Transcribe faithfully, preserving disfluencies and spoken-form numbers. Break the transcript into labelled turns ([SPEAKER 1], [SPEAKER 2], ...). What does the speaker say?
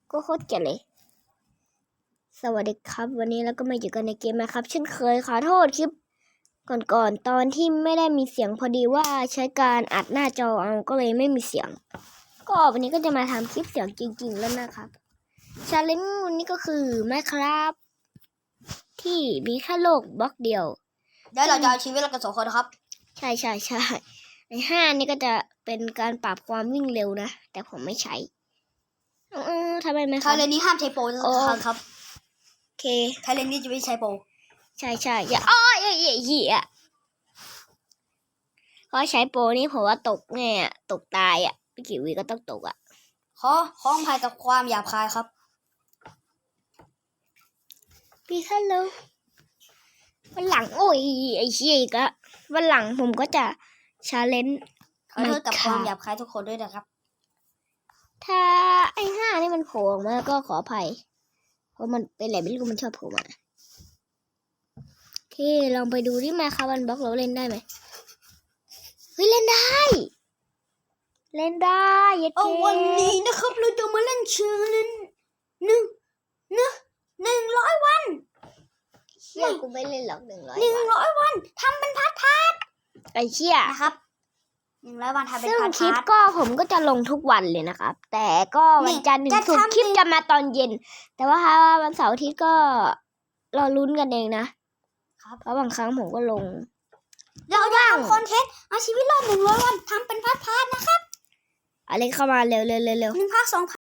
[SPEAKER 1] ก็โคตรเกลียดเลยสวัสดีครับวันนี้เราก็มาอยู่กันในเกมนะครับเช่นเคยขอโทษคลิปก่อนๆตอนที่ไม่ได้มีเสียงพอดีว่าใช้การอัดหน้าจอเอาก็เลยไม่มีเสียงก็วันนี้ก็จะมาทำคลิปเสียงจริงๆแล้วนะครับชาเลนจ์วันนี้ก็คือไมน์ครับที่มีแค่โลกบล็อกเดียว
[SPEAKER 2] เดี๋ยวเราจะเอาชีวิตเรากันสองคนนะครับ
[SPEAKER 1] ใช่ใช่ใช่ไอ้ห้านี่ก็จะเป็นการปรับความวิ่งเร็วนะแต่ผมไม่ใช้เออทำไมไม่ค
[SPEAKER 2] ทา
[SPEAKER 1] รับ
[SPEAKER 2] เลนนี้ห้ามใช้โปรนะครับครับ
[SPEAKER 1] โอเค
[SPEAKER 2] ทาเลนนี้จะไม่ใช้โปร
[SPEAKER 1] ใช่ใช่อย่าอ้อเหี้ยเหี้ยเหี้ยเพราะใช้โปรนี่ผมว่าตกแน่อะตกตายอ่ะไม่กี่วิก็ต้องตกอ่ะ
[SPEAKER 2] ขอขออภัยกับความหยาบคายครับ
[SPEAKER 1] พี่ฮัลโหลวันหลังโอ้ยไอ้เหี้ยอีกอะวันหลังผมก็จะชาเลนจ์
[SPEAKER 2] ขอโทษกับความหยาบคายทุกคนด้วยนะครับ
[SPEAKER 1] ถ้าไอ้ห้านี่มันโผล่ออกมาก็ขออภัยเพราะมันเป็นอะไรไม่รู้มันชอบโผล่มาโอเคลองไปดูที่มาคาวันบล็อกเราเล่นได้ไหมเฮ้ยเล่นได้ เล่นได้ยัด
[SPEAKER 2] เอา
[SPEAKER 1] เก
[SPEAKER 2] วันนี้นะครับเราจะมาเล่นชาเลนหนึ่งหนึ่งหนึ่งร้อยวัน
[SPEAKER 1] เชี่ยกูไม่เล่นหรอกหนึ่งร้อย
[SPEAKER 2] หนึ่งร้อยวันทำเป็นพาร์ทพาร์ท
[SPEAKER 1] ไอ้เชี่ย
[SPEAKER 2] นะครับหนึ่งร้อยวันทำเป็น
[SPEAKER 1] ซึ่ง
[SPEAKER 2] พาร์ท
[SPEAKER 1] คลิป
[SPEAKER 2] พาร์ท
[SPEAKER 1] ก็ผมก็จะลงทุกวันเลยนะครับ แต่ก็วันจันทร์ถึง
[SPEAKER 2] จะ
[SPEAKER 1] ศุกร์
[SPEAKER 2] ทำ
[SPEAKER 1] คลิปจะมาตอนเย็น แต่ว่าถ้าวันเสาร์อาทิตย์ก็รอลุ้นกันเองนะครับ เพราะบางครั้งผมก็ลง
[SPEAKER 2] เราจะทำคอนเทนต์เอาชีวิตรอดหนึ่งร้อยวันทำเป็นพาร์ทพาร์ทนะครับ
[SPEAKER 1] อะไรเข้ามาเร็วเร็วเร็วเร็ว
[SPEAKER 2] หนึ่งภาคสอง